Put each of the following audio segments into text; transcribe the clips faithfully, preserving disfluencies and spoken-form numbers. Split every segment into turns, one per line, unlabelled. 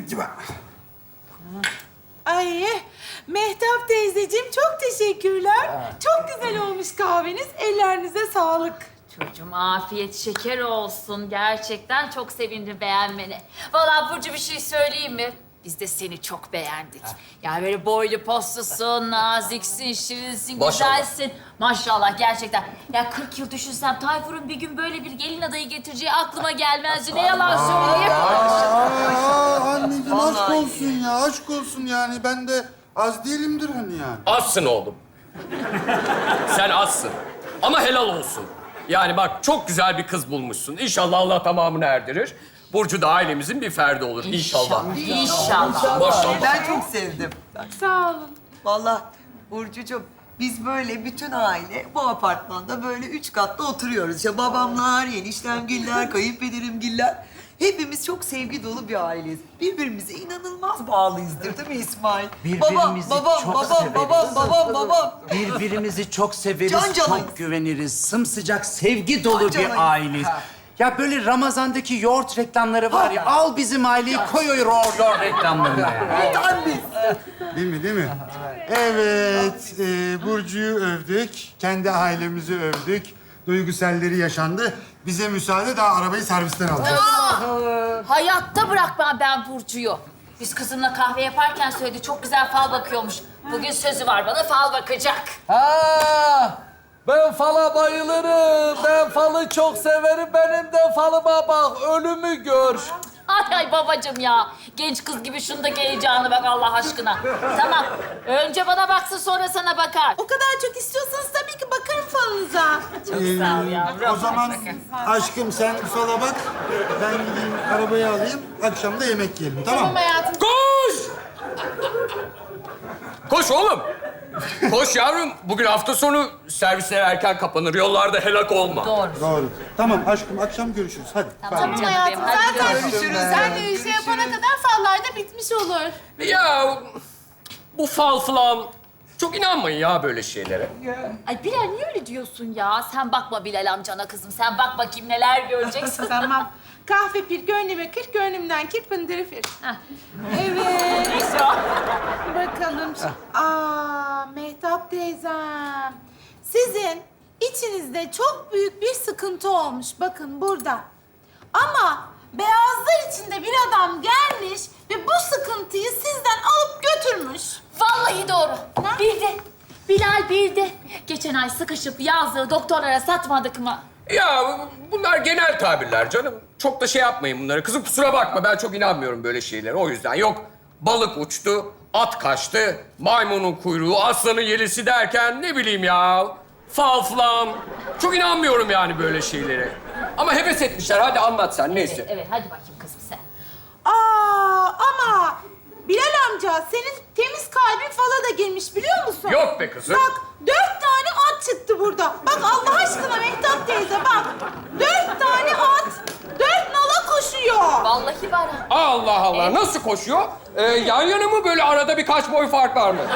gibi.
Ay Mehtap teyzeciğim çok teşekkürler. Çok güzel olmuş kahveniz. Ellerinize sağlık.
Çocuğum afiyet şeker olsun. Gerçekten çok sevindim beğenmene. Vallahi Burcu bir şey söyleyeyim mi? Biz de seni çok beğendik. Yani böyle boylu poslusun, naziksin, şirinsin,
Maşallah.
güzelsin. Maşallah gerçekten. Ya kırk yıl düşünsem Tayfur'un bir gün böyle bir gelin adayı getireceği aklıma gelmezdi. Ne yalan söyleyeyim.
Aa, anneciğim aşk olsun ya, aşk olsun yani. Ben de az değilimdir hani yani.
Azsın oğlum. Sen azsın. Ama helal olsun. Yani bak çok güzel bir kız bulmuşsun. İnşallah Allah tamamını erdirir. Burcu da ailemizin bir ferdi olur inşallah.
İnşallah.
Maşallah.
Ben çok sevdim.
Sağ olun.
Vallahi Burcucuğum, biz böyle bütün aile bu apartmanda böyle üç katlı oturuyoruz. İşte babamlar, eniştemgiller, kayınpederimgiller. Hepimiz çok sevgi dolu bir aileyiz. Birbirimize inanılmaz bağlıyızdır değil mi İsmail?
Birbirimizi
babam, babam,
çok
babam,
severiz.
babam, babam, babam.
Birbirimizi çok severiz,
Can canıyız.
çok güveniriz. Sımsıcak, sevgi dolu
Can
bir
canıyız.
aileyiz.
Ha.
Ya böyle Ramazan'daki yoğurt reklamları var ya, al bizim aileyi koy o yoğurt yoğurt reklamlarına ya.
Tam biz.
Değil mi, değil mi? Evet, e, Burcu'yu övdük, kendi ailemizi övdük. Duyguselleri yaşandı. Bize müsaade, daha arabayı servisten alacağız.
Hayatta bırakmam ben Burcu'yu. Biz kızımla kahve yaparken söyledi. Çok güzel fal bakıyormuş. Bugün sözü var bana fal bakacak.
Ha, ben fala bayılırım. Ben falı çok severim. Benim de falıma bak. Ölümü gör.
Ay ay babacığım ya. Genç kız gibi şundaki heyecanı bak Allah aşkına. Tamam. Önce bana baksın sonra sana bakar.
O kadar çok istiyorsanız tabii ki bakarım falınıza.
Çok sağ ol yavrum.
O zaman aşkım sen fala bak, ben gideyim arabayı alayım, akşam da yemek yiyelim, tamam mı?
Hayatım.
Koş! Koş oğlum. Koş yavrum. Bugün hafta sonu servisler erken kapanır. Yollarda helak olma.
Doğru.
Doğru. Tamam aşkım, akşam görüşürüz. Hadi.
Tamam
Tamam
canım
hayatım.
benim. Hadi
Zaten
görüşürüz.
sen de işe yapana kadar fallar da bitmiş olur.
Ya bu fal falan çok inanmayın ya böyle şeylere.
Ay Bilal niye öyle diyorsun ya? Sen bakma Bilal amcana kızım. Sen bak bakayım neler göreceksin.
Tamam. Kahve pir, gönlüme kır, gönlümden kir, pındırı fir.
Heh.
Evet.
Neyse o.
Bakalım. Aa, Mehtap teyzem. Sizin içinizde çok büyük bir sıkıntı olmuş. Bakın burada. Ama beyazlar içinde bir adam gelmiş ve bu sıkıntıyı sizden alıp götürmüş.
Vallahi doğru. Bildi. Bilal bildi. Geçen ay sıkışıp yazdığı doktorlara satmadık mı?
Ya bunlar genel tabirler canım. Çok da şey yapmayın bunları. Kızım kusura bakma ben çok inanmıyorum böyle şeylere. O yüzden yok balık uçtu, at kaçtı, maymunun kuyruğu, aslanın yelisi derken ne bileyim ya. Fal falan. Çok inanmıyorum yani böyle şeylere. Ama heves etmişler. Hadi anlat sen neyse.
Evet hadi bakayım kızım sen.
Aa, ama Bilal amca senin temiz kalbin fala da girmiş biliyor musun?
Yok be kızım.
Bak dört tane at çıktı burada. Bak Allah aşkına Mehtap teyze bak. Dört tane at, dört nala koşuyor.
Vallahi var ha.
Allah Allah. Nasıl koşuyor? Ee, yan yana mı böyle arada birkaç boy fark var mı?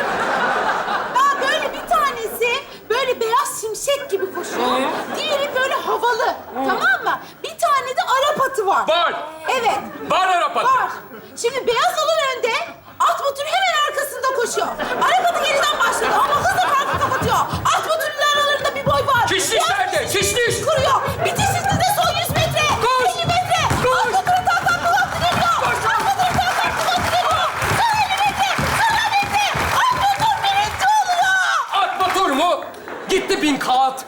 Daha böyle bir tanesi böyle beyaz şimşek gibi koşuyor. Diğeri böyle havalı. Tamam mı? Bir tane de Arap atı var.
Var.
Evet.
Var Arap atı.
Var. Şimdi beyaz olan önde, at motoru hemen arkasında koşuyor. Arap atı geriden başlıyor ama hızla farkı kapatıyor. At motorunun aralarında bir boy var.
Şişliş
Beyaz
nerede?
şimşek
Şişliş.
Kuruyor. Bitiş hızında son yüz metre.
Koş.
elli metre. At motoru tak tak kulak geliyor. At motoru tak tak kulak geliyor. Son elli metre. Son on metre. At motor birinci oluyor.
At motor mu? Gitti bin kat.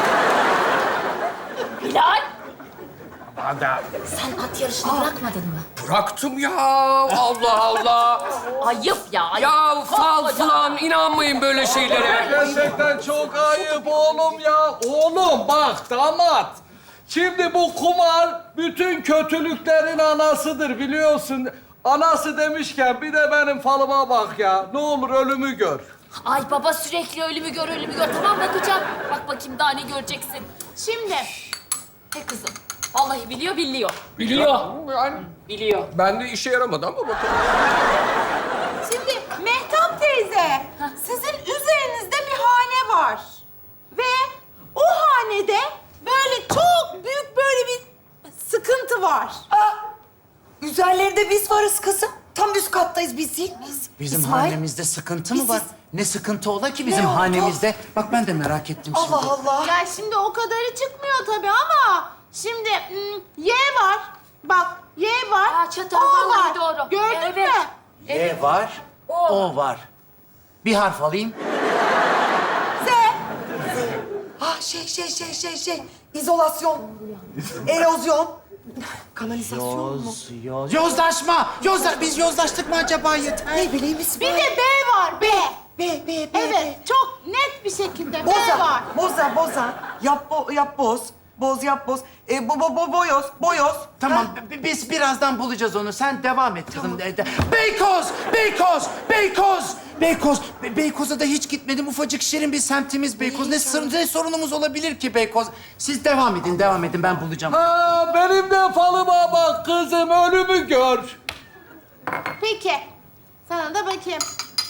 Bilal.
Ada.
Sen at yarışını bırakmadın mı?
Bıraktım ya. Allah Allah.
Ayıp ya. Ayıp.
Ya fal
Koskoca-
falan inanmayın böyle şeylere.
Gerçekten çok ayıp oğlum ya. Oğlum bak damat. Şimdi bu kumar bütün kötülüklerin anasıdır biliyorsun. Anası demişken bir de benim falıma bak ya. Ne olur ölümü gör.
Ay baba sürekli ölümü gör, ölümü gör. Tamam bakacağım. Bak bakayım daha ne göreceksin. Şimdi. He kızım. Vallahi biliyor, biliyor. Biliyor.
Yani
Biliyor.
ben de işe yaramadı ama bakalım.
Şimdi Mehtap teyze, sizin üzerinizde bir hane var. Ve o hanede böyle çok büyük böyle bir sıkıntı var.
Aa, üzerlerinde biz varız kızım. tam üst kattayız biz değil miyiz?
Bizim
İsmail?
hanemizde sıkıntı mı
Biz-
var? Ne sıkıntı ola ki bizim
Ne oldu?
hanemizde? Bak ben de merak ettim şimdi.
Allah Allah.
Ya şimdi o kadarı çıkmıyor tabii ama şimdi hmm, Y var. Bak Y var.
Aa, çatal,
O
vallahi
var.
doğru.
Gördün
Evet.
mü?
Y var,
O.
O var. Bir harf alayım.
Z.
Ah şey şey şey şey şey. İzolasyon. Erozyon. Kanalizasyon mu?
Yoz, yoz. Yozlaşma! Yozla biz yozlaştık mı acaba yeter?
Ne bileyim
Bir
İsmail.
de B var. B.
B, B, B.
Evet. Çok net bir şekilde B
Boza,
var.
boza, boza. Yap, bo, yap boz. Boz, yap boz. E, bo, bo, bo, boyoz, boyoz.
Tamam,
Ha?
bi- biz birazdan bulacağız onu. Sen devam et kızım. De- de- Beykoz! Beykoz! Beykoz! Beykoz! Be- Beykoz'a da hiç gitmedim. Ufacık şirin bir semtimiz Beykoz. Ne, sır- ne sorunumuz olabilir ki Beykoz? Siz devam edin, devam edin. Ben bulacağım.
Ha, benim de falıma bak kızım, ölümü gör.
Peki. Sana da bakayım.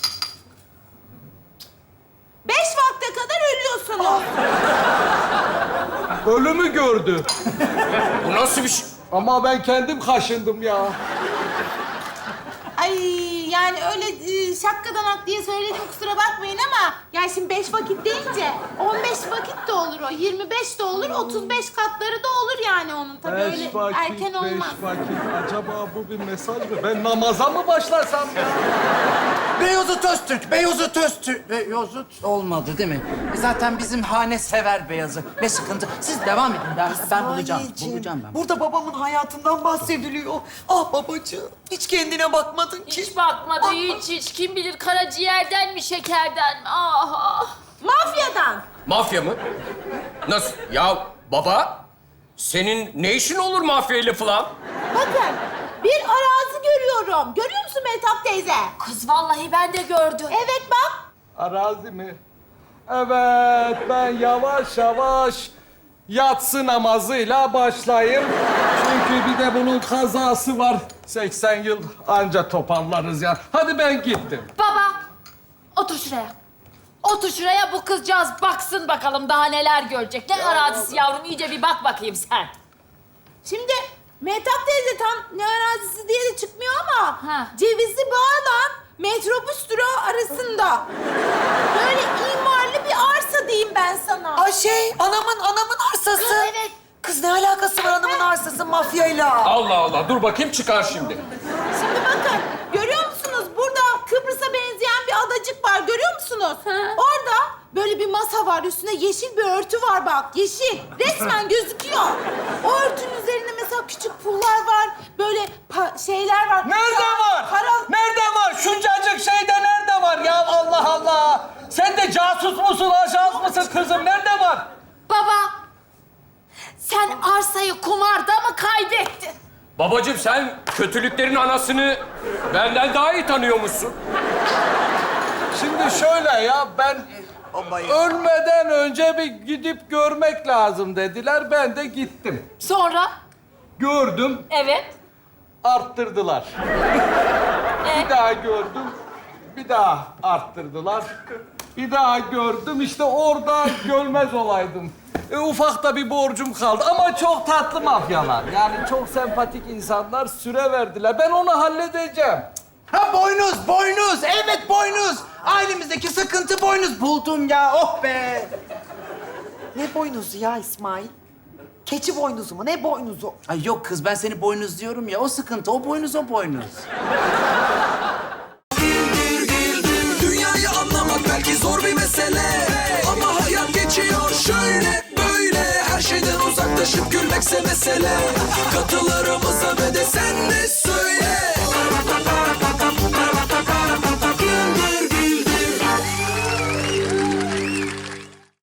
Beş vakte kadar ölüyorsunuz.
Ölümü gördü.
Bu nasıl bir şey?
Ama ben kendim kaşındım ya.
Ay yani öyle e, şakkadanak diye söyledim kusura bakmayın ama yani şimdi beş vakit deyince on beş vakit de olur o, yirmi beş de olur, otuz beş katları da olur yani onun tabii öyle
Beş vakit,
erken olmaz.
beş vakit. Acaba bu bir mesaj mı? Ben namaza mı başlasam ya?
Beyozut Öztürk, Beyozut Öztürk. Beyozut olmadı değil mi? E zaten bizim hane sever beyazı. Ne sıkıntı? Siz devam edin. Ben, ben bulacağım.
İsmailciğim,
Bulacağım ben.
Burada babamın hayatından bahsediliyor. Ah babacığım, hiç kendine bakmadın ki.
Hiç bakmadı, hiç hiç. Kim bilir karaciğerden mi, şekerden mi? Ah, ah.
Mafyadan.
Mafya mı? Nasıl? Ya baba, senin ne işin olur mafyayla falan?
Bakın bir arazi görüyorum. Görüyor musun Mehtap teyze?
Kız vallahi ben de gördüm.
Evet bak.
Arazi mi? Evet, ben yavaş yavaş yatsı namazıyla başlayayım. Çünkü bir de bunun kazası var. seksen yıl anca toparlarız ya. Hadi ben gittim.
Baba, otur şuraya. Otur şuraya, bu kızcağız baksın bakalım daha neler görecek. Ne arazisi yavrum, iyice bir bak bakayım sen.
Şimdi Mehtap teyze tam ne arazisi diye de çıkmıyor ama
Ha.
Cevizli Bağ'la metrobüs durağı arasında böyle imarlı bir arsa diyeyim ben sana.
Ay şey, anamın, anamın arsası.
Kız, evet.
Kız ne alakası var anamın arsası mafyayla?
Allah Allah, dur bakayım çıkar şimdi.
Şimdi bakın, görüyor musunuz? Burada Kıbrıs'a benzeyen bir adacık var, görüyor musunuz? Orada böyle bir masa var, üstünde yeşil bir örtü var bak, yeşil. Resmen gözüküyor. O örtünün üzerinde mesela küçük pullar var, böyle pa- şeyler var.
Nerede var?
Para...
Nerede var? Şuncacık şeyde nerede var ya? Allah Allah! Sen de casus musun, ajans mısın kızım? Nerede var?
Baba, sen arsayı kumarda mı kaybettin?
Babacığım sen kötülüklerin anasını benden daha iyi tanıyormuşsun.
Şimdi şöyle ya, ben ölmeden önce bir gidip görmek lazım dediler. Ben de gittim.
Sonra?
Gördüm,
Evet.
arttırdılar.
E,
Bir daha gördüm, bir daha arttırdılar. Bir daha gördüm, işte orada görmez olaydım. E, ufak da bir borcum kaldı ama çok tatlı mafyalar. Yani çok sempatik insanlar, süre verdiler. Ben onu halledeceğim.
Ha boynuz, boynuz. Evet boynuz. Ailemizdeki sıkıntı boynuz. Buldum ya, oh be.
Ne boynuzu ya İsmail? Keçi boynuzu mu? Ne boynuzu?
Ay yok kız, ben seni boynuz diyorum ya. O sıkıntı, o boynuz, o boynuz.
Dünyayı anlamak belki zor bir mesele, ama hayat geçiyor şöyle böyle. Her şeyden uzaklaşıp gülmekse mesele.